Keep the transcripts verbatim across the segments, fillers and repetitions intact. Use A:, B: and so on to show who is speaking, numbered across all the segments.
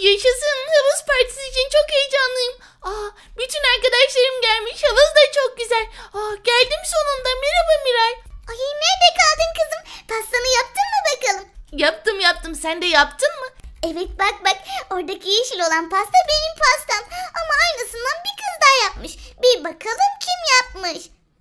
A: Yaşasın, havuz partisi için çok heyecanlıyım. Aa, bütün arkadaşlarım gelmiş, havuz da çok güzel. Aa, geldim sonunda. Merhaba Miray.
B: Ay nerede kaldın kızım? Pastanı yaptın mı bakalım?
A: Yaptım yaptım, sen de yaptın mı?
B: Evet bak bak, oradaki yeşil olan pasta benim pastam. Ama aynısından bir kız daha yapmış. Bir bakalım kim yapmış?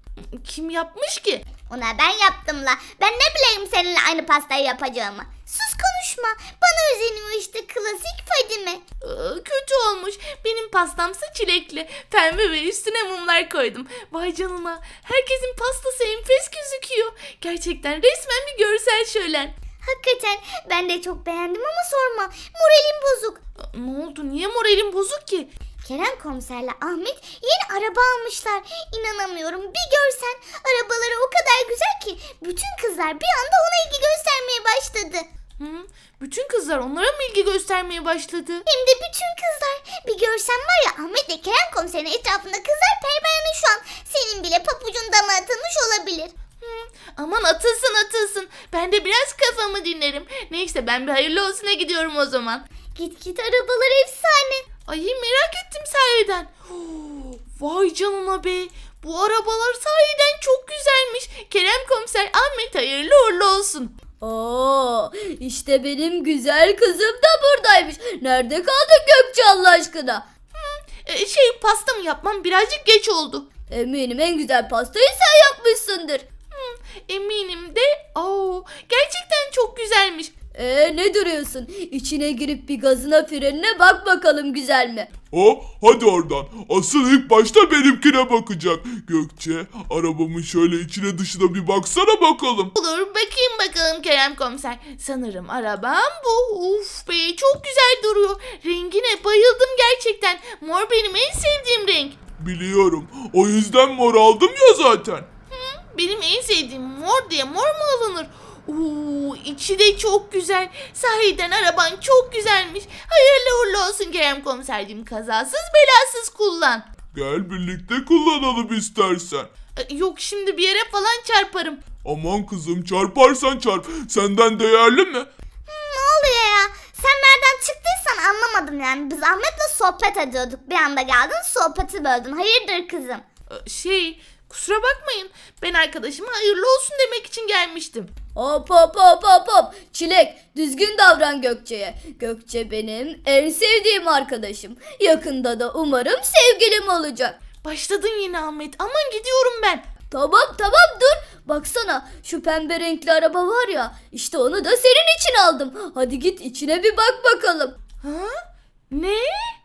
A: Kim yapmış ki?
B: Ona ben yaptım la. Ben ne bileyim seninle aynı pastayı yapacağımı. Sus konuşma. Bana özeniyor işte klasik Fadime.
A: Aa, kötü olmuş. Benim pastamsa çilekli. Pembe ve üstüne mumlar koydum. Vay canına. Herkesin pastası enfes gözüküyor. Gerçekten resmen bir görsel şölen.
B: Hakikaten ben de çok beğendim ama sorma. Moralim bozuk.
A: Aa, ne oldu? Niye moralim bozuk ki?
B: Kerem komiserle Ahmet yeni araba almışlar. İnanamıyorum, bir görsen. Arabaları o kadar güzel ki bütün kızlar bir anda ona ilgi göstermeye başladı.
A: Hı? Bütün kızlar onlara mı ilgi göstermeye başladı?
B: Hem de bütün kızlar. Bir görsen var ya, Ahmet ve Kerem komiserin etrafında kızlar pervane şu an. Senin bile papucun dama atılmış olabilir.
A: Hı, aman atılsın atılsın. Ben de biraz kafamı dinlerim. Neyse ben bir hayırlı olsuna gidiyorum o zaman.
B: Git git, arabalar efsane.
A: Ay merak ettim sahiden. Oh, vay canına be. Bu arabalar sahiden çok güzelmiş. Kerem komiser, Ahmet hayırlı uğurlu olsun.
C: Oo, işte benim güzel kızım da buradaymış. Nerede kaldın Gökçe Allah aşkına?
A: Ee, şey pastamı yapmam birazcık geç oldu.
C: Eminim en güzel pastayı sen yapmışsındır.
A: Eminim de. Oo, gerçekten çok güzelmiş.
C: Ee ne duruyorsun? İçine girip bir gazına frenine bak bakalım güzel mi?
D: O hadi oradan. Asıl ilk başta benimkine bakacak. Gökçe, arabamın şöyle içine dışına bir baksana bakalım.
A: Olur, bakayım bakalım Kerem komiser. Sanırım arabam bu. Uf be, çok güzel duruyor. Rengine bayıldım gerçekten. Mor benim en sevdiğim renk.
D: Biliyorum. O yüzden mor aldım ya zaten.
A: Benim en sevdiğim mor diye mor mu alınır? Oo, içi de çok güzel. Sahiden araban çok güzelmiş. Hayırlı uğurlu olsun Kerem komiserciğim. Kazasız belasız kullan.
D: Gel birlikte kullanalım istersen.
A: Ee, Yok, şimdi bir yere falan çarparım.
D: Aman kızım, çarparsan çarp. Senden değerli mi?
B: Ne oluyor ya? Sen nereden çıktıysan anlamadım yani. Biz Ahmet'le sohbet ediyorduk. Bir anda geldin, sohbeti böldün. Hayırdır kızım?
A: Ee, Şey, kusura bakmayın. Ben arkadaşıma hayırlı olsun demek için gelmiştim.
C: Hop hop hop hop hop. Çilek düzgün davran Gökçe'ye. Gökçe benim en sevdiğim arkadaşım. Yakında da umarım sevgilim olacak.
A: Başladın yine Ahmet. Aman gidiyorum ben.
C: Tamam tamam dur. Baksana şu pembe renkli araba var ya. İşte onu da senin için aldım. Hadi git içine bir bak bakalım.
A: Ha? Ne?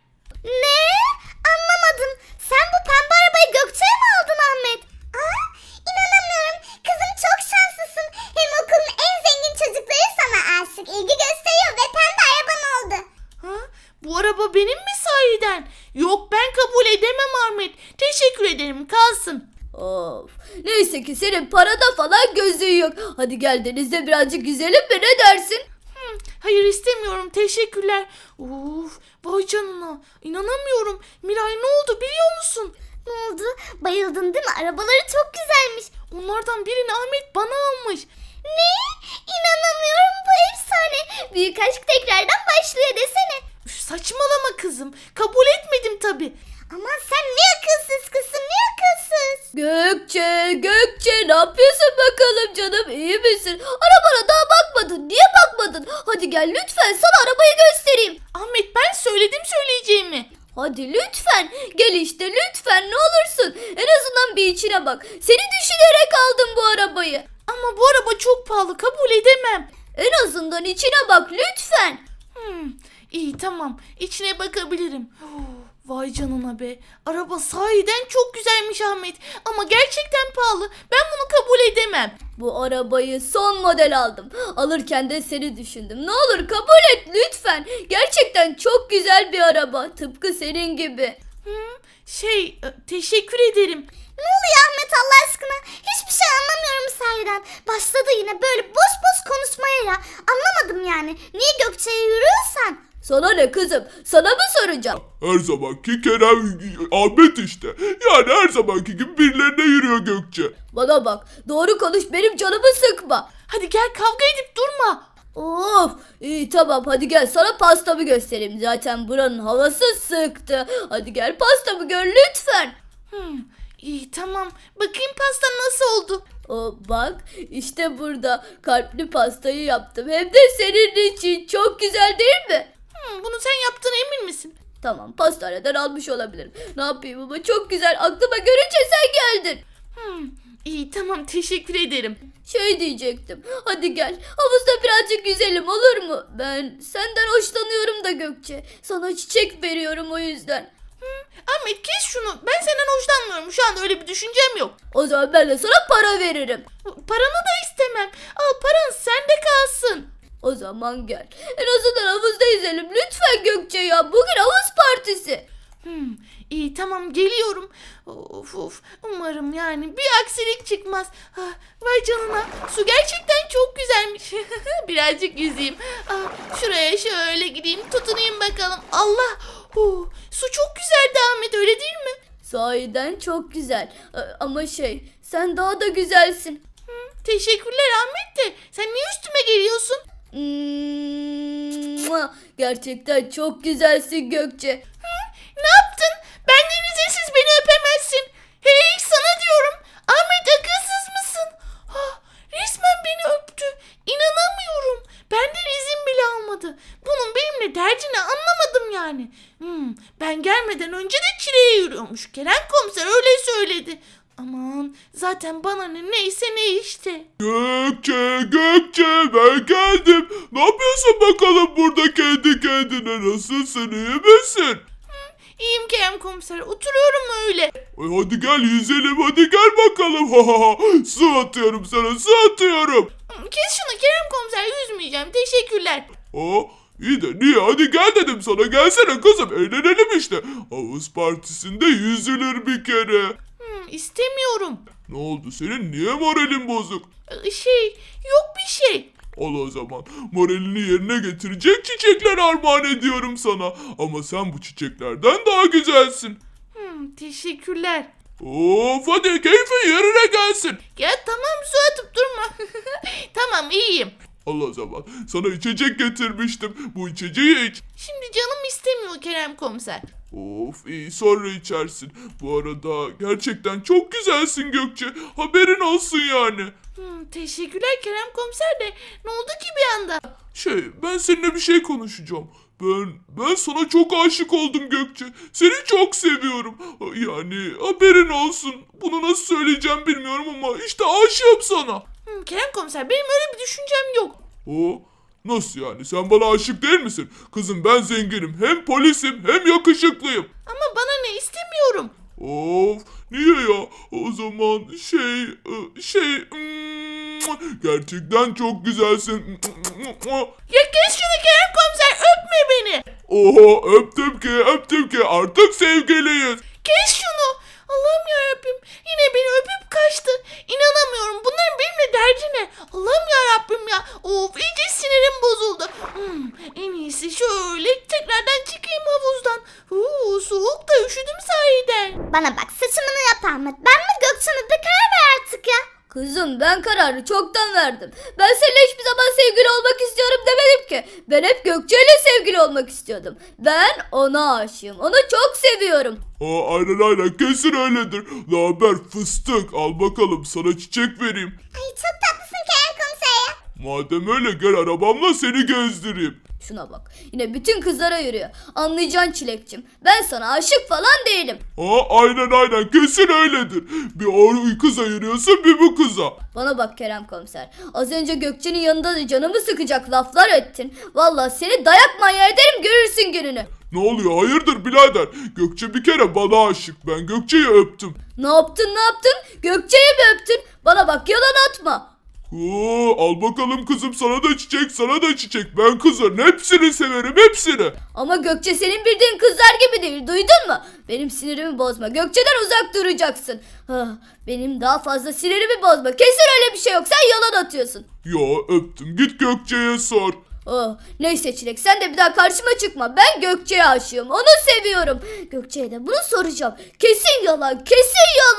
B: Ne? Anlamadım. Sen bu pembe arabayı Gökçe'ye mi aldın Ahmet? Aa, inanamıyorum. Kızım çok şanslısın. Hem okulun en zengin çocukları sana aşık. İlgi gösteriyor ve pembe araban oldu.
A: Ha? Bu araba benim mi sahiden? Yok, ben kabul edemem Ahmet. Teşekkür ederim, kalsın.
C: Of. Neyse ki senin parada falan gözün yok. Hadi gel denizde birazcık yüzelim mi, ne dersin?
A: Hmm, hayır istemiyorum, teşekkürler. Uf, vay canına. İnanamıyorum. Miray, ne oldu biliyor musun?
B: Ne oldu? Bayıldın değil mi? Arabaları çok güzelmiş.
A: Onlardan birini Ahmet bana almış.
B: Ne? İnanamıyorum, bu efsane. Büyük aşk tekrardan başlıyor desene.
A: Üf, saçmalama kızım. Kabul etmedim tabii.
B: Aman sen ne akılsız kızsın, ne akılsız.
C: Gökçe, Gökçe ne yapıyorsun bakalım canım, iyi misin? Arabana daha bakmadın, niye bakmadın? Hadi gel lütfen sana arabayı göstereyim.
A: Ahmet, ben söyledim söyleyeceğimi.
C: Hadi lütfen gel işte lütfen, ne olursun. En azından bir içine bak. Seni düşünerek aldım bu arabayı.
A: Ama bu araba çok pahalı, kabul edemem.
C: En azından içine bak lütfen.
A: Hmm, iyi tamam, içine bakabilirim. Oh, vay canına be. Araba sahiden çok güzelmiş Ahmet. Ama gerçekten pahalı. Ben bunu kabul edemem.
C: Bu arabayı son model aldım. Alırken de seni düşündüm. Ne olur kabul et lütfen. Gerçekten çok güzel bir araba. Tıpkı senin gibi.
A: Hmm, şey, e, teşekkür ederim.
B: Ne oluyor Ahmet Allah aşkına? Hiçbir şey anlamıyorum sahiden. Başladı yine böyle boş boş konuşmaya ya. Anlamadım yani. Niye Gökçe'ye yürüyorsan?
C: Sana ne kızım? Sana mı soracağım?
D: Her zamanki Kerem, Ahmet işte. Yani her zamanki gibi birilerine yürüyor Gökçe.
C: Bana bak. Doğru konuş, benim canımı sıkma.
A: Hadi gel, kavga edip durma.
C: Of, iyi tamam, hadi gel sana pastamı göstereyim. Zaten buranın havası sıktı. Hadi gel pastamı gör lütfen.
A: Hmm, iyi tamam. Bakayım pastan nasıl oldu?
C: O bak, işte burada kalpli pastayı yaptım. Hem de senin için. Çok güzel değil mi?
A: Hmm, bunu sen yaptığına emin misin?
C: Tamam, pastaneden almış olabilirim. Ne yapayım ama çok güzel, aklıma görünce sen geldin.
A: Hmm, iyi tamam teşekkür ederim.
C: Şey diyecektim. Hadi gel. Havuzda birazcık yüzelim, olur mu? Ben senden hoşlanıyorum da Gökçe. Sana çiçek veriyorum o yüzden.
A: Ahmet kes şunu. Ben senden hoşlanmıyorum. Şu anda öyle bir düşüncem yok.
C: O zaman ben de sana para veririm.
A: Paranı da istemem. Al paran sende kalsın.
C: O zaman gel. En azından havuzda yüzelim. Lütfen Gökçe ya. Bugün havuz partisi.
A: Hmm, iyi tamam geliyorum. Of of. Umarım yani bir aksilik çıkmaz. Ah, vay canına. Su gerçekten çok güzelmiş. Birazcık yüzeyim. Ah, şuraya şöyle gideyim tutunayım bakalım. Allah. Oh, su çok güzeldi Ahmet öyle değil mi?
C: Sahiden çok güzel. Ee, Ama şey, sen daha da güzelsin.
A: Teşekkürler Ahmet de. Sen niye üstüme geliyorsun?
C: Mua! Gerçekten çok güzelsin Gökçe.
A: Ne yaptın? Benden izinsiz beni öpemezsin. Hey sana diyorum. Ahmet akılsız mısın? Ah, resmen beni öptü. İnanamıyorum. Benden izin bile almadı. Bunun benimle derdini anlamadım yani. Hmm, ben gelmeden önce de çileye yürüyormuş. Kerem komiser öyle söyledi. Aman zaten bana ne neyse ne işte.
D: Gökçe, Gökçe ben geldim. Ne yapıyorsun bakalım burada kendi kendine? Nasılsın, iyi misin?
A: İyiyim Kerem komiser oturuyorum öyle.
D: Ay hadi gel yüzelim, hadi gel bakalım. Ha ha ha. Su atıyorum sana, su atıyorum.
A: Hmm, kes şunu Kerem komiser yüzmeyeceğim teşekkürler.
D: Aa, iyi de niye? Hadi gel dedim sana. Gelsene kızım, eğlenelim işte. Havuz partisinde yüzülür bir kere.
A: Hmm, istemiyorum.
D: Ne oldu senin? Niye moralin bozuk?
A: Ee, Şey yok bir şey.
D: Al o zaman. Moralini yerine getirecek çiçekler armağan ediyorum sana. Ama sen bu çiçeklerden daha güzelsin.
A: Hmm, teşekkürler.
D: Of hadi keyfin yerine gelsin.
A: Ya tamam su atıp durma. Tamam iyiyim.
D: Al o zaman. Sana içecek getirmiştim. Bu içeceği iç.
A: Şimdi canım istemiyor Kerem komiser.
D: Of iyi, sonra içersin. Bu arada gerçekten çok güzelsin Gökçe. Haberin olsun yani.
A: Hmm, teşekkürler Kerem komiser de ne oldu ki bir anda?
D: Şey, ben seninle bir şey konuşacağım. Ben ben sana çok aşık oldum Gökçe. Seni çok seviyorum. Yani haberin olsun. Bunu nasıl söyleyeceğim bilmiyorum ama işte aşığım sana.
A: Hmm, Kerem komiser benim öyle bir düşüncem yok.
D: O nasıl yani? Sen bana aşık değil misin? Kızım ben zenginim. Hem polisim hem yakışıklıyım.
A: Ama bana ne istemiyorum.
D: Of niye ya? O zaman şey ı, şey mm, gerçekten çok güzelsin.
A: Ya kes şunu Kerem komiser öpme beni.
D: Oha öptüm ki öptüm ki artık sevgiliyiz.
A: Kes şunu. Allah'ım yarabbim yine beni öpüp kaçtı. İnanamıyorum bunların benimle derdi ne? Allah'ım yarabbim ya. Of iyice sinirim bozuldu. Hmm, en iyisi şöyle tekrardan çıkayım havuzdan. Uuu soğuk da üşüdüm sahiden.
B: Bana bak saçımını yap Ahmet. Ben mi Gökçe mi? Bir karar ver artık ya.
C: Kızım ben kararı çoktan verdim. Ben seninle hiçbir zaman sevgili olmak istiyorum demedim ki. Ben hep Gökçe ile sevgili olmak istiyordum. Ben ona aşığım. Onu çok seviyorum.
D: Aa, aynen aynen kesin öyledir. Ne haber fıstık, al bakalım sana çiçek vereyim.
B: Ay çok tatlısın Kerem komiser ya.
D: Madem öyle gel arabamla seni gezdireyim.
C: Şuna bak. Yine bütün kızlara yürüyor. Anlayacaksın Çilekçim. Ben sana aşık falan değilim.
D: Aa, aynen aynen kesin öyledir. Bir o kıza yürüyorsun bir bu kıza.
C: Bana bak Kerem komiser. Az önce Gökçe'nin yanında da canımı sıkacak laflar ettin. Vallahi seni dayak manyağı ederim, görürsün gününü.
D: Ne oluyor hayırdır birader? Gökçe bir kere bana aşık. Ben Gökçe'yi öptüm.
C: Ne yaptın ne yaptın? Gökçe'yi mi öptün? Bana bak yalan atma.
D: Oo, al bakalım kızım sana da çiçek sana da çiçek. Ben kızların hepsini severim hepsini.
C: Ama Gökçe senin bildiğin kızlar gibi değil, duydun mu? Benim sinirimi bozma. Gökçe'den uzak duracaksın. Ah, benim daha fazla sinirimi bozma. Kesin öyle bir şey yok. Sen yalan atıyorsun.
D: Ya öptüm git Gökçe'ye sor.
C: Oh, neyse Çilek sen de bir daha karşıma çıkma. Ben Gökçe'ye aşığım. Onu seviyorum. Gökçe'ye de bunu soracağım. Kesin yalan. Kesin yalan.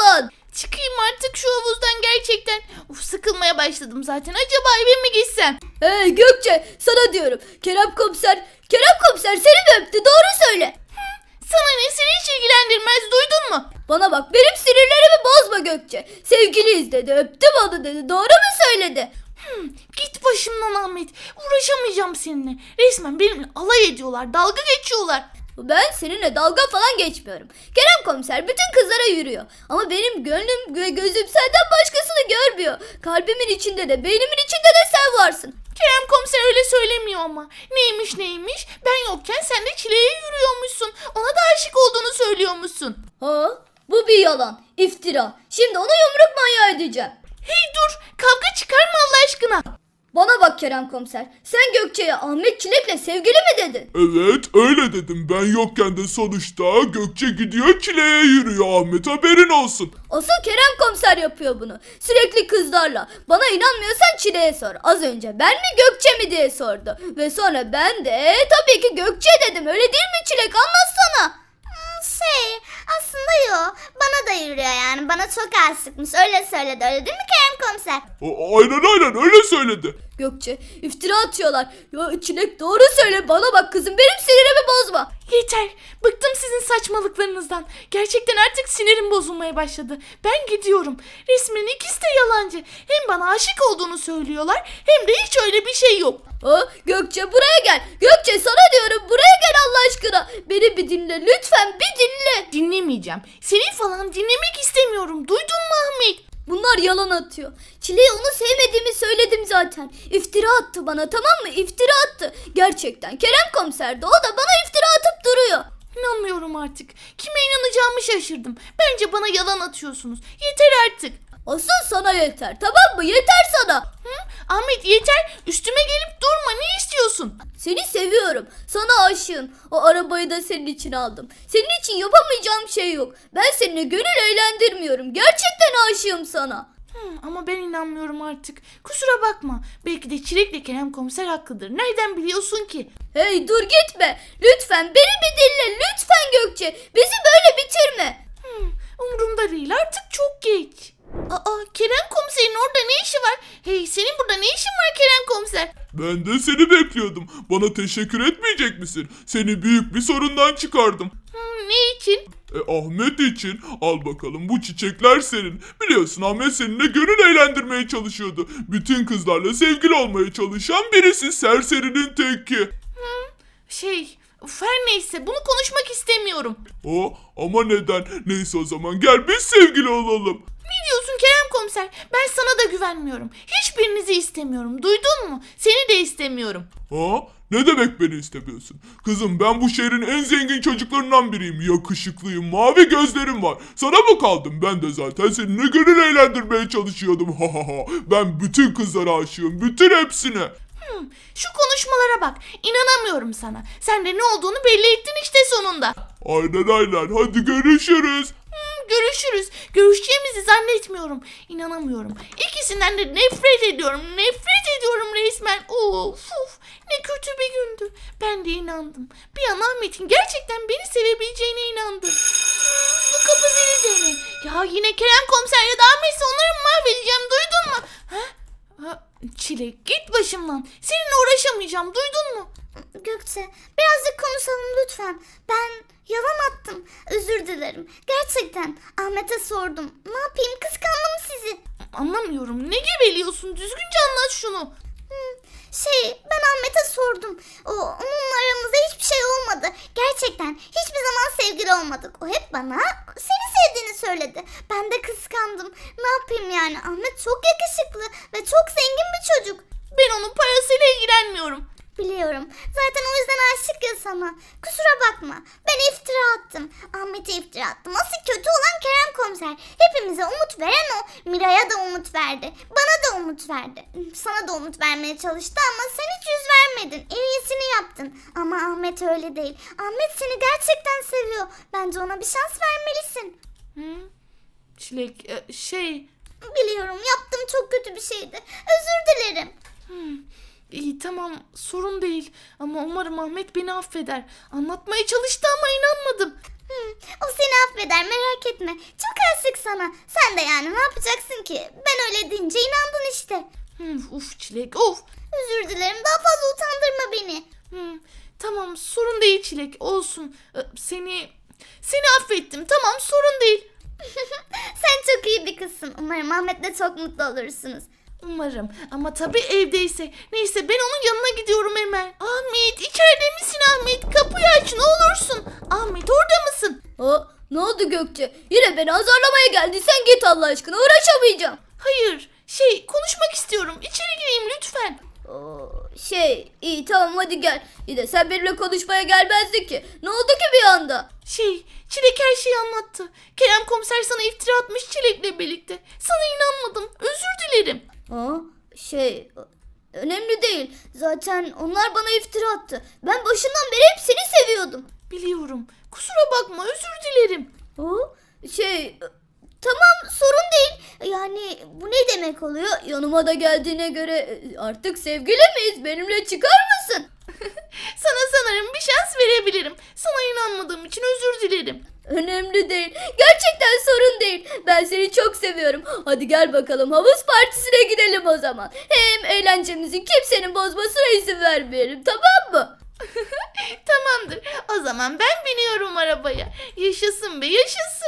A: çıkayım artık şu havuzdan gerçekten. Uf, sıkılmaya başladım zaten. Acaba eve mi gitsem?
C: Hey Gökçe, sana diyorum. Kerem komiser, Kerem komiser seni mi öptü? Doğru söyle.
A: Sana ne, seni hiç ilgilendirmez, duydun mu?
C: Bana bak, benim sinirlerimi bozma Gökçe. Sevgiliyiz dedi, öptüm onu dedi. Doğru mu söyledi?
A: Hmm, git başımdan Ahmet. Uğraşamayacağım seninle. Resmen benimle alay ediyorlar, dalga geçiyorlar.
C: Ben seninle dalga falan geçmiyorum. Kerem komiser bütün kızlara yürüyor. Ama benim gönlüm ve gözüm senden başkasını görmüyor. Kalbimin içinde de beynimin içinde de sen varsın.
A: Kerem komiser öyle söylemiyor ama. Neymiş neymiş? Ben yokken sen de Çile'ye yürüyormuşsun. Ona da aşık olduğunu söylüyormuşsun.
C: Ha? Bu bir yalan, iftira. Şimdi onu yumruk manyağı edeceğim.
A: Hey dur, kavga çıkarma Allah aşkına.
C: Bana bak Kerem komiser. Sen Gökçe'ye Ahmet Çilek'le sevgili mi dedin?
D: Evet öyle dedim. Ben yokken de sonuçta Gökçe gidiyor Çile'ye yürüyor Ahmet, haberin olsun.
C: Asıl Kerem komiser yapıyor bunu. Sürekli kızlarla. Bana inanmıyorsan Çilek'e sor. Az önce ben mi Gökçe mi diye sordu. Ve sonra ben de tabii ki Gökçe dedim. Öyle değil mi Çilek? Anlatsana.
B: Şey aslında yok. Bana da yürüyor yani. Bana çok aşıkmış. Öyle söyledi. Öyle değil mi Kerem komiser?
D: A- aynen aynen öyle söyledi.
C: Gökçe iftira atıyorlar. Ya Çilek doğru söyle, bana bak kızım, benim sinirimi bozma.
A: Yeter, bıktım sizin saçmalıklarınızdan. Gerçekten artık sinirim bozulmaya başladı. Ben gidiyorum. Resmen ikisi de yalancı. Hem bana aşık olduğunu söylüyorlar hem de hiç öyle bir şey yok.
C: Ha, Gökçe buraya gel. Gökçe sana diyorum, buraya gel Allah aşkına. Beni bir dinle lütfen, bir dinle.
A: Dinlemeyeceğim. Seni falan dinlemek istemiyorum. Duydun mu Ahmet?
C: Bunlar yalan atıyor. Çile'ye onu sevmediğimi söyledim zaten. İftira attı bana, tamam mı? İftira attı. Gerçekten Kerem komiser de, o da bana iftira atıp duruyor.
A: İnanmıyorum artık. Kime inanacağımı şaşırdım. Bence bana yalan atıyorsunuz. Yeter artık.
C: Asıl sana yeter, tamam mı? Yeter sana.
A: Hı? Ahmet yeter. Üstüme gelip durma. Ne istiyorsun?
C: Seni seviyorum. Sana aşığım. O arabayı da senin için aldım. Senin için yapamayacağım şey yok. Ben seninle gönül eğlendirmiyorum. Gerçekten aşığım sana.
A: Hı, ama ben inanmıyorum artık. Kusura bakma. Belki de Çilek'le Kerem komiser haklıdır. Nereden biliyorsun ki?
C: Hey dur gitme. Lütfen beni bir dinle. Lütfen Gökçe. Bizi böyle bitirme.
A: Hı, umurumda değil. Artık çok geç. Aa, Kerem komiserin orada ne işi var? Hey, senin burada ne işin var Kerem komiser?
D: Ben de seni bekliyordum. Bana teşekkür etmeyecek misin? Seni büyük bir sorundan çıkardım.
A: Hı, ne için?
D: E, Ahmet için al bakalım, bu çiçekler senin. Biliyorsun Ahmet seninle gönül eğlendirmeye çalışıyordu. Bütün kızlarla sevgili olmaya çalışan birisi, serserinin teki.
A: Şey, uf, her neyse bunu konuşmak istemiyorum.
D: O ama neden? Neyse o zaman gel biz sevgili olalım.
A: Ne diyorsun Kerem komiser? Ben sana da güvenmiyorum. Hiçbirinizi istemiyorum. Duydun mu? Seni de istemiyorum.
D: Ha? Ne demek beni istemiyorsun? Kızım ben bu şehrin en zengin çocuklarından biriyim. Yakışıklıyım, mavi gözlerim var. Sana mı kaldım? Ben de zaten seninle gönül eğlendirmeye çalışıyordum. Ha ha ha. Ben bütün kızlara aşığım. Bütün hepsine.
A: Hmm, şu konuşmalara bak. İnanamıyorum sana. Sen de ne olduğunu belli ettin işte sonunda.
D: Aynen aynen. Hadi görüşürüz.
A: Hmm, görüşürüz. Görüşeceğimizi zannetmiyorum. İnanamıyorum. İkisinden de nefret ediyorum. Nefret ediyorum resmen. Of of. Ne kötü bir gündü. Ben de inandım. Bir an Ahmet'in gerçekten beni sevebileceğine inandım. Hmm, bu kapı zili de ne? Ya yine Kerem komiser ya da Ahmet'se onları mahvedeceğim. Duydun mu? Ha? Ha, Çilek git başımdan. Seninle uğraşamayacağım. Duydun mu?
B: Gökçe birazcık konuşalım lütfen. Ben yalan attım. Özür dilerim. Gerçekten Ahmet'e sordum. Ne yapayım, kıskandım sizi.
A: Anlamıyorum. Ne geveliyorsun? Düzgünce anlat şunu.
B: Şey ben Ahmet'e sordum. O, onunla aramızda hiçbir şey olmadı. Gerçekten hiçbir zaman sevgili olmadık. O hep bana seni sevdiğini söyledi. Ben de kıskandım. Ne yapayım yani, Ahmet çok yakışıklı ve çok zengin bir çocuk.
A: Ben onun parasıyla ilgilenmiyorum.
B: Biliyorum. Zaten o yüzden aşık ya sana. Kusura bakma. Ben iftira attım. Ahmet'e iftira attım. Asıl kötü olan Kerem komiser. Hepimize umut veren o. Miray'a da umut verdi. Bana da umut verdi. Sana da umut vermeye çalıştı ama sen hiç yüz vermedin. En iyisini yaptın. Ama Ahmet öyle değil. Ahmet seni gerçekten seviyor. Bence ona bir şans vermelisin.
A: Hı? Çilek e, şey...
B: Biliyorum, yaptığım çok kötü bir şeydi. Özür dilerim.
A: Hmm. İyi tamam, sorun değil. Ama umarım Ahmet beni affeder. Anlatmaya çalıştı ama inanmadım.
B: Hmm, o seni affeder, merak etme. Çok aşık sana. Sen de yani ne yapacaksın ki? Ben öyle deyince inandın işte.
A: Hmm, uf Çilek of.
B: Özür dilerim, daha fazla utandırma beni.
A: Hmm, tamam sorun değil Çilek, olsun. Ee, Seni seni affettim, tamam sorun değil.
B: Sen çok iyi bir kızsın. Umarım Ahmet'le çok mutlu olursunuz.
A: Umarım ama tabii evdeyse. Neyse ben onun yanına gidiyorum hemen. Ahmet içeride misin Ahmet? Kapıyı aç ne olursun. Ahmet orada mısın?
C: Ha, ne oldu Gökçe? Yine beni azarlamaya geldiysen git Allah aşkına, uğraşamayacağım.
A: Hayır şey konuşmak istiyorum. İçeri gireyim lütfen.
C: Oo, şey iyi tamam hadi gel. İyi de sen benimle konuşmaya gelmezdin ki. Ne oldu ki bir anda?
A: Şey Çilek her şeyi anlattı. Kerem komiser sana iftira atmış Çilek'le birlikte. Sana inanmadım. Özür dilerim.
C: Ha, şey önemli değil. Zaten onlar bana iftira attı. Ben başından beri hep seni seviyordum.
A: Biliyorum. Kusura bakma özür dilerim.
C: Ha, şey tamam sorun değil. Yani bu ne demek oluyor? Yanıma da geldiğine göre e, artık sevgili miyiz? Benimle çıkar mısın?
A: Sana sanırım bir şans verebilirim. Sana inanmadığım için özür dilerim.
C: Önemli değil. Gerçekten sorun değil. Ben seni çok seviyorum. Hadi gel bakalım havuz partisine gidelim o zaman. Hem eğlencemizi kimsenin bozmasına izin vermeyelim, tamam mı?
A: Tamamdır. O zaman ben biniyorum arabaya. Yaşasın be yaşasın.